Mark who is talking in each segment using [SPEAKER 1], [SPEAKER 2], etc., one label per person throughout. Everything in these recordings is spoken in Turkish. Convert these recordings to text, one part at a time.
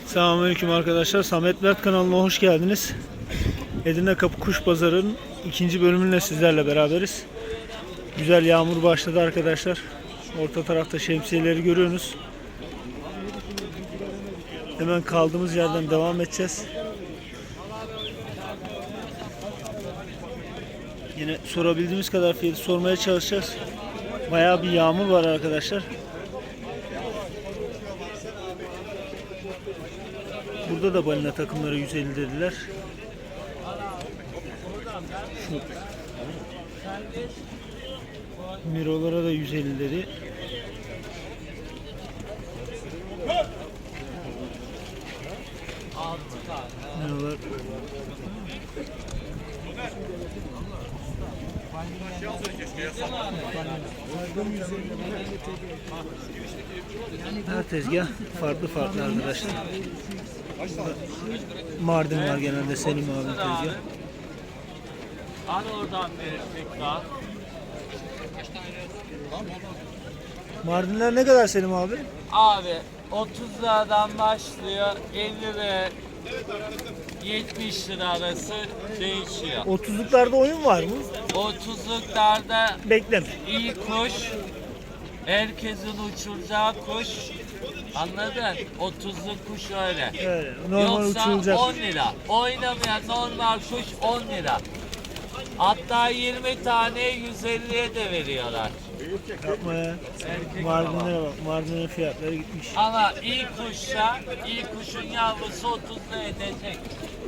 [SPEAKER 1] Selamünaleyküm arkadaşlar. Samet Mert kanalına hoş geldiniz. Edirne Kapı Kuş Pazarı'nın ikinci bölümünle sizlerle beraberiz. Güzel yağmur başladı arkadaşlar. Orta tarafta şemsiyeleri görüyorsunuz. Hemen kaldığımız yerden devam edeceğiz. Yine sorabildiğimiz kadar fiyatı sormaya çalışacağız. Bayağı bir yağmur var arkadaşlar. Burada da balina takımları 150 dediler. Şu mirolara da 150 dedi. Mirolar her tezgah farklı farklı arkadaşlar. Mardin var genelde, Selim abi tezgah.
[SPEAKER 2] Hani oradan verecek daha.
[SPEAKER 1] Mardinler ne kadar Selim abi?
[SPEAKER 2] Abi 30 liradan başlıyor 50 ve 70 lira arası değişiyor.
[SPEAKER 1] 30'luklarda oyun var mı?
[SPEAKER 2] 30'luklarda
[SPEAKER 1] Bekleme.
[SPEAKER 2] iyi kuş, herkesin uçuracağı kuş. Anladın? 30'luk kuş öyle.
[SPEAKER 1] Öyle, normal
[SPEAKER 2] Yoksa
[SPEAKER 1] uçulacak.
[SPEAKER 2] 10 lira. Oynamayan normal kuş 10 lira. Hatta 20 tane 150'ye de veriyorlar.
[SPEAKER 1] Yapma ya. Mardinlere bak. Mardinlerin fiyatları gitmiş.
[SPEAKER 2] Ama iyi kuşsa, iyi kuşun yavrusu 30 lira edecek.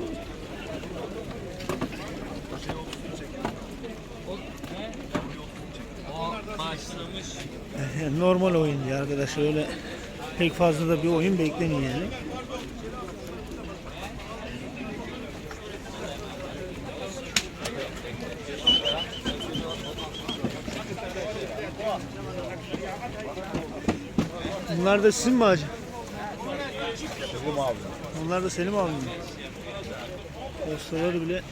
[SPEAKER 2] O başlamış.
[SPEAKER 1] Yani normal oyun diye arkadaşlar, öyle pek fazla da bir oyun beklemiyor yani. Bunlar da sizin mi hacı?
[SPEAKER 3] Selim abi.
[SPEAKER 1] Onlar da Selim abi mi? Postaları bile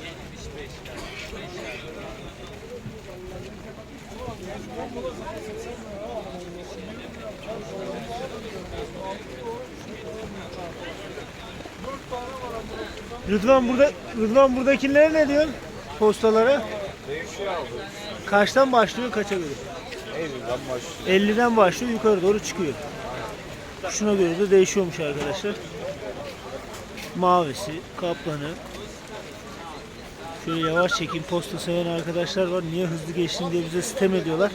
[SPEAKER 1] Rıdvan buradakilere ne diyorsun? Postalara?
[SPEAKER 3] Değişiyor abi.
[SPEAKER 1] Kaçtan başlıyor, kaça göre?
[SPEAKER 3] 50'den başlıyor.
[SPEAKER 1] 50'den başlıyor, yukarı doğru çıkıyor. Şuna göre de değişiyormuş arkadaşlar. Mavisi, kaplanı. Şöyle yavaş çekin, posta seven arkadaşlar var. Niye hızlı geçtin diye bize sitem ediyorlar.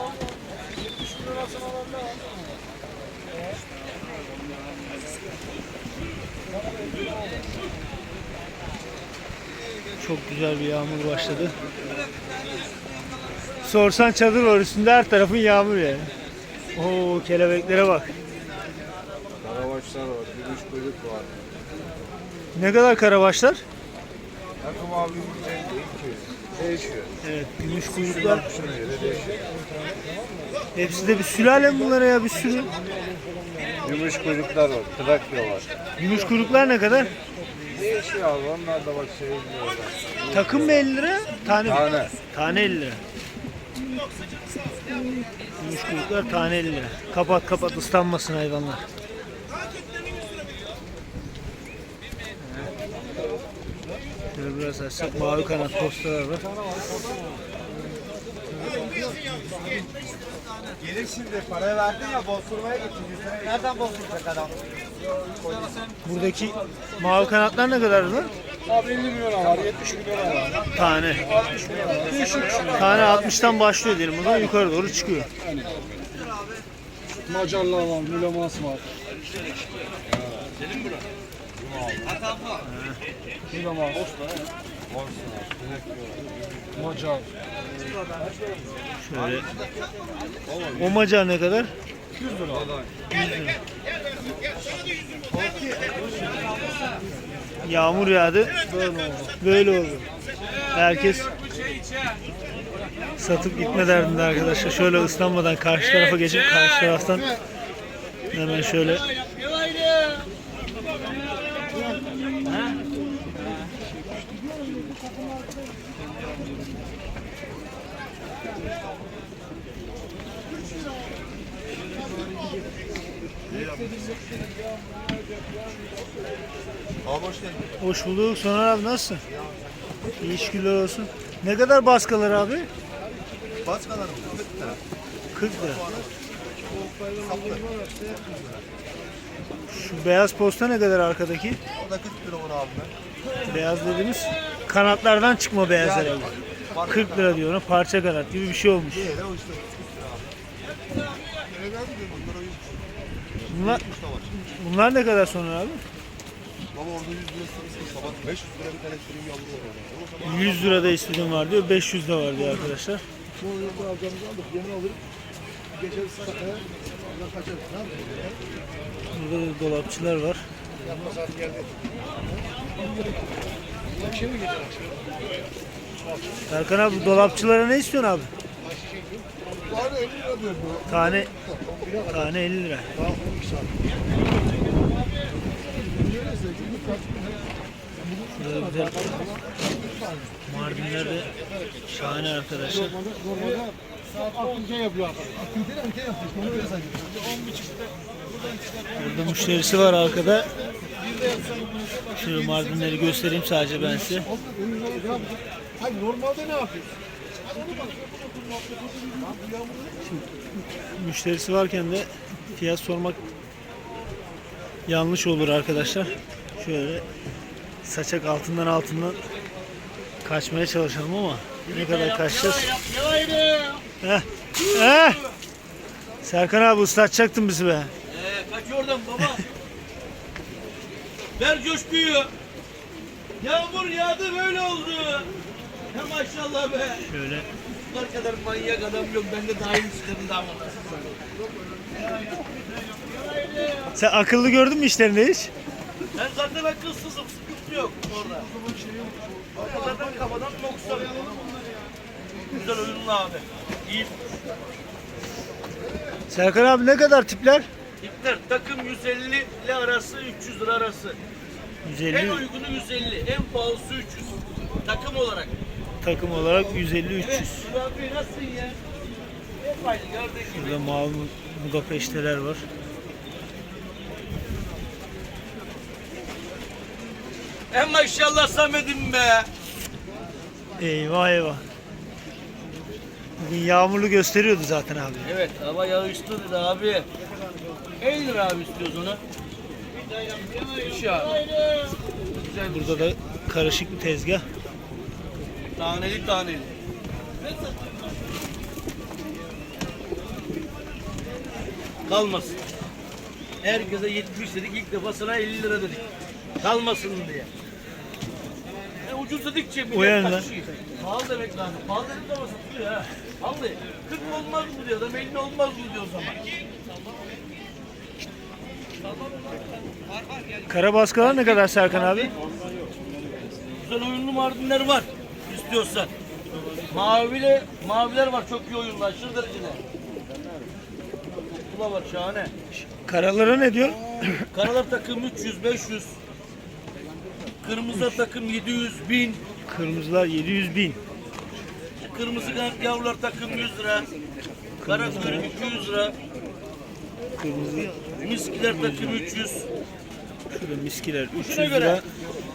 [SPEAKER 1] Çok güzel bir yağmur başladı. Sorsan çadır var üstünde, her tarafın yağmur yani. Oo, kelebeklere bak.
[SPEAKER 3] Karabaşlar var. Gümüş kuyruk var.
[SPEAKER 1] Ne kadar karabaşlar?
[SPEAKER 3] Takım abi 150, 200. Değişiyor.
[SPEAKER 1] Evet, gümüş kuyruklar.
[SPEAKER 3] Kuşuna göre değişiyor.
[SPEAKER 1] Hepsi de bir sülale mi bunlara ya, bir sürü?
[SPEAKER 3] Gümüş kuyruklar var. Trakya var.
[SPEAKER 1] Gümüş kuyruklar ne kadar?
[SPEAKER 3] Değişiyor abi. Onlar da bak şey diyorlar.
[SPEAKER 1] Takım mı 50 lira? Tane mi?
[SPEAKER 3] Tane.
[SPEAKER 1] Tane 50 lira. Gümüş kuyruklar tane 50 lira. Kapat kapat, ıslanmasın hayvanlar. Şöyle biraz açsak, mavi kanat postalar var.
[SPEAKER 4] Gelir şimdi, parayı verdin ya, bozturmaya gittin. Nereden bozduracak adam?
[SPEAKER 1] Buradaki mavi kanatlar ne kadar lan?
[SPEAKER 4] Abi 50 milyon var, 70 milyon var.
[SPEAKER 1] Tane.
[SPEAKER 4] 60 milyon var. Değişik.
[SPEAKER 1] Tane 60'tan başlıyor diyelim. O zaman yukarı doğru çıkıyor.
[SPEAKER 4] Macarlar var, Mülemas var. Mülemas. Macar.
[SPEAKER 1] Şöyle. O macar ne kadar?
[SPEAKER 4] 100 lira.
[SPEAKER 1] 100 lira. Yağmur yağdı.
[SPEAKER 4] Böyle oldu.
[SPEAKER 1] Böyle oldu. Herkes satıp gitme derdinde arkadaşlar. Şöyle ıslanmadan karşı tarafa geçip karşı taraftan hemen şöyle
[SPEAKER 3] Abi hoş geldin.
[SPEAKER 1] Hoş bulduk. Soner abi nasılsın? İyi şükürler olsun. Ne kadar baskalar abi?
[SPEAKER 3] Başkalarım 40 lira.
[SPEAKER 1] 40 lira. Şu beyaz posta ne kadar arkadaki?
[SPEAKER 3] O da 40 lira olur abi.
[SPEAKER 1] Beyaz dediğimiz kanatlardan çıkma beyaz herhalde. 40 lira diyor ona, parça kanat gibi bir şey olmuş.
[SPEAKER 3] Diğeri o işte 40 lira abi.
[SPEAKER 1] Bunlar ne kadar sonra abi?
[SPEAKER 3] Baba orada 100 lira sırası sabah 500 lira bir tane sürüm yavru var.
[SPEAKER 1] 100 lirada istediğim var diyor, 500 de var diyor arkadaşlar.
[SPEAKER 3] Bu yılda alacağımızı aldık. Yemin alırım. Geçeriz sakaya. Kaçarız. Ne yapıyoruz?
[SPEAKER 1] Burada da dolapçılar var.
[SPEAKER 3] Yapma saat geldi. Akşam mı geçer?
[SPEAKER 1] Serkan abi bu dolapçılara ne istiyorsun abi?
[SPEAKER 3] Tane 50 lira diyor bu.
[SPEAKER 1] Tane 50 lira.
[SPEAKER 3] Daha 12 saat.
[SPEAKER 1] Burada güzel Mardinler de şahane arkadaşlar.
[SPEAKER 3] Normalde saat 6'da yapıyor. Aktivite yapıyor. Onu öyle sayıyor. 10.30'da
[SPEAKER 1] Burada müşterisi var arkada. Şöyle Mardinleri göstereyim sadece ben size.
[SPEAKER 3] Hayır normalde ne yapıyorsun?
[SPEAKER 1] Müşterisi varken de fiyat sormak yanlış olur arkadaşlar. Şöyle saçak altından kaçmaya çalışalım ama ne kadar kaçacağız? Heh. Heh. Serkan abi ıslatacaktın bizi be.
[SPEAKER 5] Kaç oradan baba. Ver coşkuyu. Yağmur yağdı böyle oldu. Ya maşallah be.
[SPEAKER 1] Şöyle
[SPEAKER 5] Bunlar kadar manyak adam yok. Ben de dahil istedim daha
[SPEAKER 1] sen akıllı gördün mü işlerini hiç?
[SPEAKER 5] Ben zaten akılsızım. Sıkıntı yok orada. Zaten kafadan noksan. Güzel oyunlu abi. İyi.
[SPEAKER 1] Serkan abi ne kadar tipler?
[SPEAKER 5] İpler takım 150 ile arası 300 lira arası. En
[SPEAKER 1] 150
[SPEAKER 5] uygunu 150. En pahalısı 300. Takım olarak.
[SPEAKER 1] takım olarak 150-300.
[SPEAKER 5] Abi nasılsın ya? Hep aynı gördüğün gibi.
[SPEAKER 1] Burada mavi Budapeşteler var.
[SPEAKER 5] En maşallah Samet'im be.
[SPEAKER 1] Eyvah eyvah. Bugün yağmurlu gösteriyordu zaten abi.
[SPEAKER 5] Evet hava yağışlı dedi abi. 50 lira abi istiyoruz onu. Bir şey abi. Güzel bir
[SPEAKER 1] Burada da karışık bir tezgah.
[SPEAKER 5] taneli taneli. Kalmasın. Herkese 70 dedik ilk defa sana 50 lira dedik. Kalmasın diye. Ucuz dedikçe
[SPEAKER 1] O yönden.
[SPEAKER 5] kaçıyor. Pahalı demek lazım. Pahalı dedik ama satılıyor ha. Vallahi 40 olmaz mı diyor adam 50 olmaz mı diyor o zaman.
[SPEAKER 1] Karabaskalar ne kadar Serkan abi?
[SPEAKER 5] Güzel oyunlu Mardinler var istiyorsan. Maviler var çok iyi oyunlu aşırı derecede. Bu da var şahane.
[SPEAKER 1] Karalara ne diyor?
[SPEAKER 5] Karalar takım 300 500. Kırmızı takım 700 1000.
[SPEAKER 1] Kırmızılar 700.000.
[SPEAKER 5] Kırmızı yavrular takım 100 lira. Kara kuyruk 200 lira.
[SPEAKER 1] Kırmızı
[SPEAKER 5] Miskiler takım 300.
[SPEAKER 1] şurada miskiler 300
[SPEAKER 5] Şuna göre.
[SPEAKER 1] lira.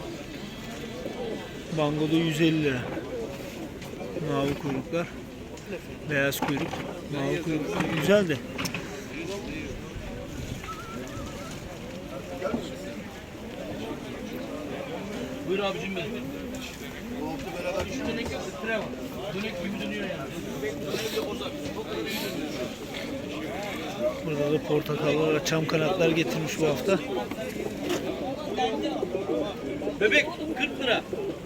[SPEAKER 1] Bangoda 150 lira. Mavi kuyruklar. Beyaz kuyruk. Mavi kuyruk. Güzel de.
[SPEAKER 5] Buyur abicim benim. Şu dönek yok, tire var. Dönek gibi dönüyor yani. Dönek yok uzak. Çok iyi dönüyor.
[SPEAKER 1] Burada da portakallar ve çam kanatlar getirmiş bu hafta.
[SPEAKER 5] Bebek 40 lira.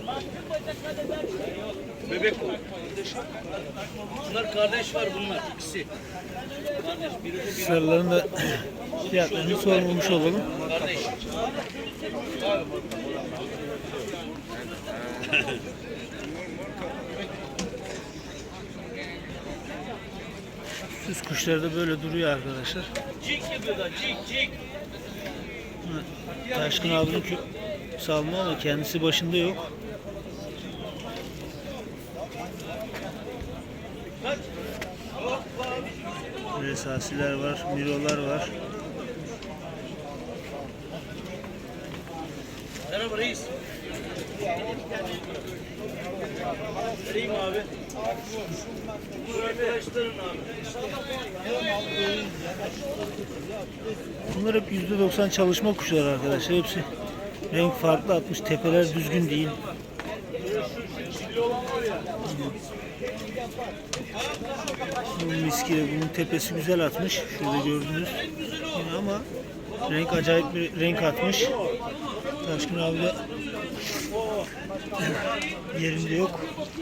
[SPEAKER 5] Bebek o. Bunlar kardeş var bunlar ikisi. Kardeş biri bu biri.
[SPEAKER 1] Sarıların da fiyatlarını sormamış olalım.
[SPEAKER 5] Kardeş.
[SPEAKER 1] Süs kuşları da böyle duruyor arkadaşlar.
[SPEAKER 5] Cik yapıyorlar cik cik.
[SPEAKER 1] Taşkın abinin salma ama kendisi başında yok.
[SPEAKER 5] Kaç?
[SPEAKER 1] Resasiler var, mirolar var.
[SPEAKER 5] mı reis? Vereyim abi. Bu arkadaşların abi.
[SPEAKER 1] Bunlar hep %90 çalışma kuşları arkadaşlar. Hepsi renk farklı atmış. Tepeler düzgün değil. Bu miskile bunun tepesi güzel atmış. Şurada gördünüz. Yine ama renk acayip bir renk atmış. Taşkın abi de yerinde yok.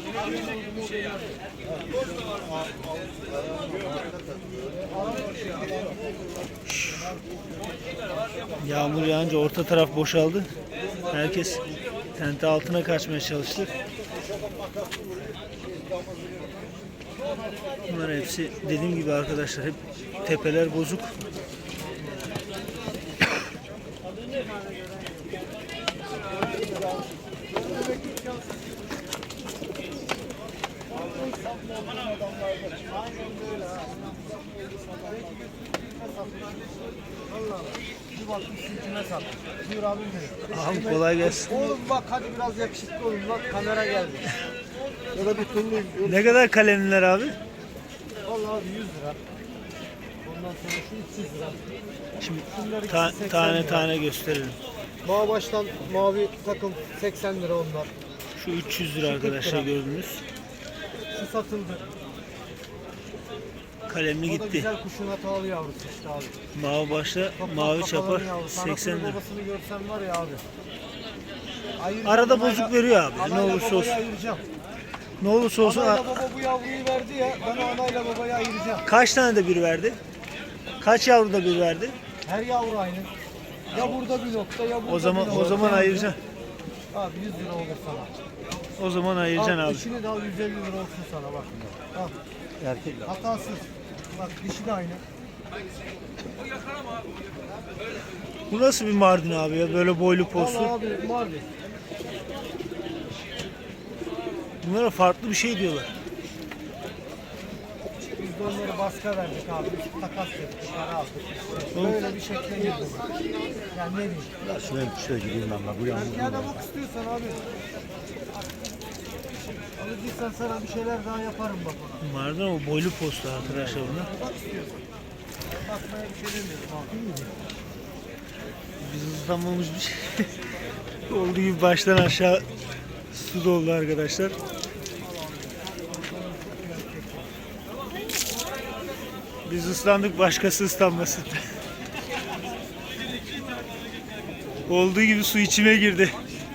[SPEAKER 1] Yağmur yağınca orta taraf boşaldı. Herkes tente altına kaçmaya çalıştı. Bunlar hepsi dediğim gibi arkadaşlar hep tepeler bozuk.
[SPEAKER 3] Bir bakmışsın kime satmış. Buyur abim benim.
[SPEAKER 1] Ağam kolay gelsin.
[SPEAKER 3] Oğlum bak hadi biraz yakışıklı olun bak kamera geldi. Ya da bir türlü
[SPEAKER 1] Ne kadar kalemler abi?
[SPEAKER 3] vallahi abi 100 lira. Ondan sonra şu 300 lira.
[SPEAKER 1] Şimdi
[SPEAKER 3] Bunlar ikisi 80
[SPEAKER 1] tane
[SPEAKER 3] lira.
[SPEAKER 1] tane gösterelim.
[SPEAKER 3] Mavi baştan mavi takım 80 lira onlar.
[SPEAKER 1] Şu 300 lira arkadaşlar gördünüz.
[SPEAKER 3] Şu satıldı.
[SPEAKER 1] Kalemli
[SPEAKER 3] O da
[SPEAKER 1] gitti.
[SPEAKER 3] güzel kuşun hatalı yavrusu işte abi.
[SPEAKER 1] Mavi başla,
[SPEAKER 3] Toprak
[SPEAKER 1] mavi
[SPEAKER 3] kafaların
[SPEAKER 1] çapar
[SPEAKER 3] yavrusu.
[SPEAKER 1] 80
[SPEAKER 3] Anasını
[SPEAKER 1] lira.
[SPEAKER 3] babasını görsen var ya abi. Ayıracağım,
[SPEAKER 1] Arada
[SPEAKER 3] anayla-
[SPEAKER 1] bozuk veriyor abi. Ne
[SPEAKER 3] anayla
[SPEAKER 1] olursa
[SPEAKER 3] babayı
[SPEAKER 1] olsun.
[SPEAKER 3] ayıracağım.
[SPEAKER 1] Ne olursa olsun.
[SPEAKER 3] Anayla baba bu yavruyu verdi ya. Ben anayla babayı ayıracağım.
[SPEAKER 1] Kaç tane de bir verdi? Kaç yavru da bir verdi?
[SPEAKER 3] Her yavru aynı. Ya burada bir nokta ya burada
[SPEAKER 1] O zaman
[SPEAKER 3] bir
[SPEAKER 1] o
[SPEAKER 3] nokta.
[SPEAKER 1] zaman ayıracaksın.
[SPEAKER 3] Abi 100 lira olur sana.
[SPEAKER 1] O zaman ayıracaksın
[SPEAKER 3] Al
[SPEAKER 1] abi.
[SPEAKER 3] dişini de al 150 lira olsun sana bak. Al.
[SPEAKER 1] Erkek.
[SPEAKER 3] Hatasız. Bak dişi de aynı.
[SPEAKER 1] Bu nasıl bir Mardin abi ya? Böyle boylu postu.
[SPEAKER 3] Al abi mavi.
[SPEAKER 1] Bunlara farklı bir şey diyorlar.
[SPEAKER 3] Biz de onları baska verdik abi. Biz takas verdik. Para aldık. Böyle bir şekle girdi. Yani ne diyeyim.
[SPEAKER 6] Ya şuraya kuşlara gideyim ben bak. Bu yalnız
[SPEAKER 3] Ya da bak istiyorsan abi. Alıcıysan sana bir şeyler daha yaparım bak ona.
[SPEAKER 1] Mardin ama boylu postu arkadaşlar bunlar.
[SPEAKER 3] Bak istiyorsan. Bakmaya bir şey demiyorum abi.
[SPEAKER 1] Biz ıslanmamış bir şey. Olduğu gibi baştan aşağı su doldu arkadaşlar. Biz ıslandık, başkası ıslanmasın. Olduğu gibi su içime girdi.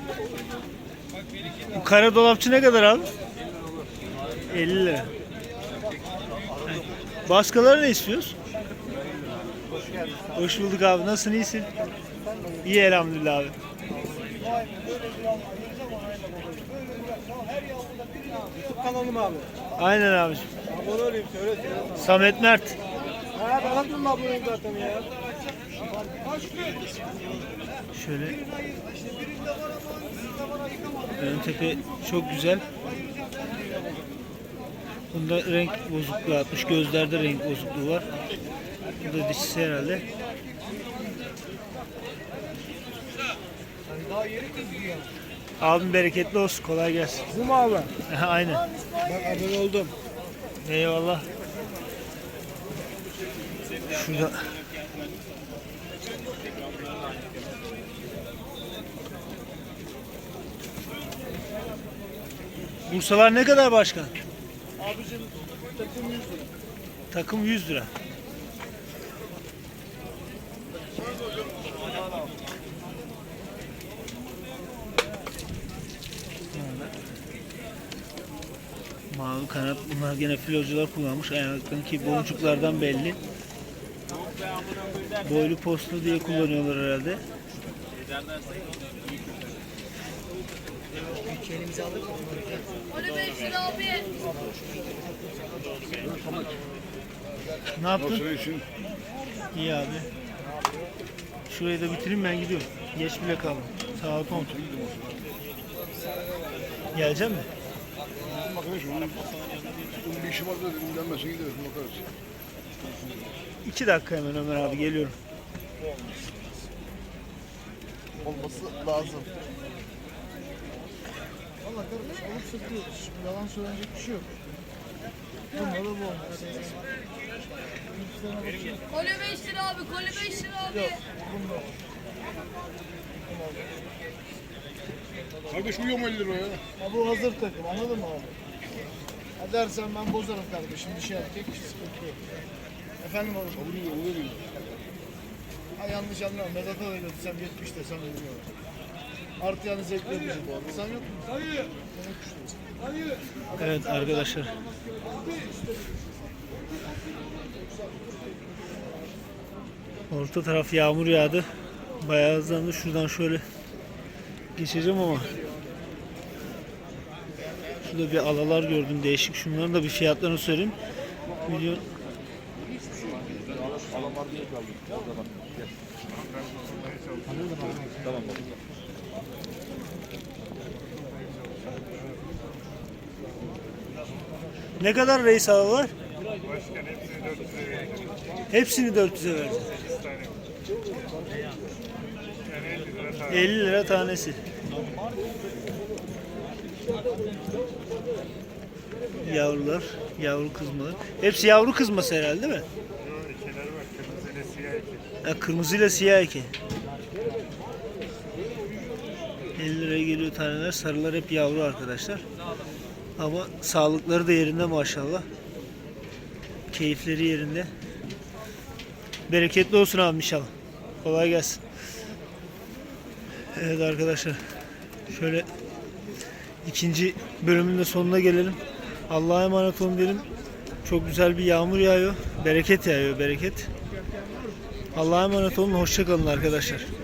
[SPEAKER 1] Bu kara dolapçı ne kadar abi? 50 lira. Baskaları ne istiyoruz? Hoş bulduk abi. Nasılsın? İyisin? İyi elhamdülillah abi.
[SPEAKER 3] YouTube kanalım abi.
[SPEAKER 1] Aynen abi.
[SPEAKER 3] Abone olayım söyle.
[SPEAKER 1] Samet Mert.
[SPEAKER 3] Ha ben aklımda aboneyim zaten ya.
[SPEAKER 1] Şöyle. Ön tepe çok güzel. Bunda renk bozukluğu atmış. Gözlerde renk bozukluğu var. Bu da dişisi herhalde.
[SPEAKER 3] Daha yeri kızıyor.
[SPEAKER 1] Abim bereketli olsun. Kolay gelsin.
[SPEAKER 3] Bu mu abi?
[SPEAKER 1] Aynen.
[SPEAKER 3] Bak abone oldum.
[SPEAKER 1] Eyvallah. Şurada. Bursalar ne kadar başkan?
[SPEAKER 3] Abicim takım 100 lira.
[SPEAKER 1] Takım 100 lira. Mavi kanat. Bunlar gene filocular kullanmış. Ayaklarındaki boncuklardan belli. Boylu postlu diye kullanıyorlar herhalde.
[SPEAKER 7] Onu 5 lira abi.
[SPEAKER 1] Ne yaptın? İyi abi. Şurayı da bitireyim, ben gidiyorum. Geç bile kaldım. Saat 10. Gelecek mi?
[SPEAKER 8] Bir işim var da dinlenmesin gideriz bakarız.
[SPEAKER 1] 2 dakika hemen Ömer abi, geliyorum.
[SPEAKER 3] olması lazım. Valla kardeş alıp satıyoruz. Şimdi yalan söylenecek bir şey yok. Bunda da bu olmaz.
[SPEAKER 7] Kole 5 lira abi, kole 5 lira abi.
[SPEAKER 3] Bunda.
[SPEAKER 8] Kardeş uyuyor mu 50 liraya?
[SPEAKER 3] Ha, bu hazır takım, anladın mı abi? Ha dersen ben bozarım kardeşim, dişi erkek sıkıntı yok. Efendim oğlum?
[SPEAKER 8] Oluyor mu?
[SPEAKER 3] Ha yanlış anlama, Vedat'a da götürsem 70 desem bilmiyorum. Artı yani zevkli yapıcı bu arada. Sen yok musun? Hayır.
[SPEAKER 1] Evet arkadaşlar. Orta taraf yağmur yağdı. Bayağı hızlandı. Şuradan şöyle geçeceğim ama şurada bir alalar gördüm değişik. Şunların da bir fiyatlarını söyleyeyim. Milyon Ne kadar reis alalar? Hepsini 400'e vereceğiz. 50 lira tanesi. Yavrular, yavru kızmalar. Hepsi yavru kızması herhalde değil mi? Kırmızıyla siyah eki. 50 liraya geliyor taneler. Sarılar hep yavru arkadaşlar. Ama sağlıkları da yerinde maşallah. Keyifleri yerinde. Bereketli olsun abi inşallah. Kolay gelsin. Evet arkadaşlar. Şöyle ikinci bölümün de sonuna gelelim. Allah'a emanet olun diyelim. Çok güzel bir yağmur yağıyor. Bereket yağıyor, bereket. Allah'a emanet olun. Hoşça kalın arkadaşlar.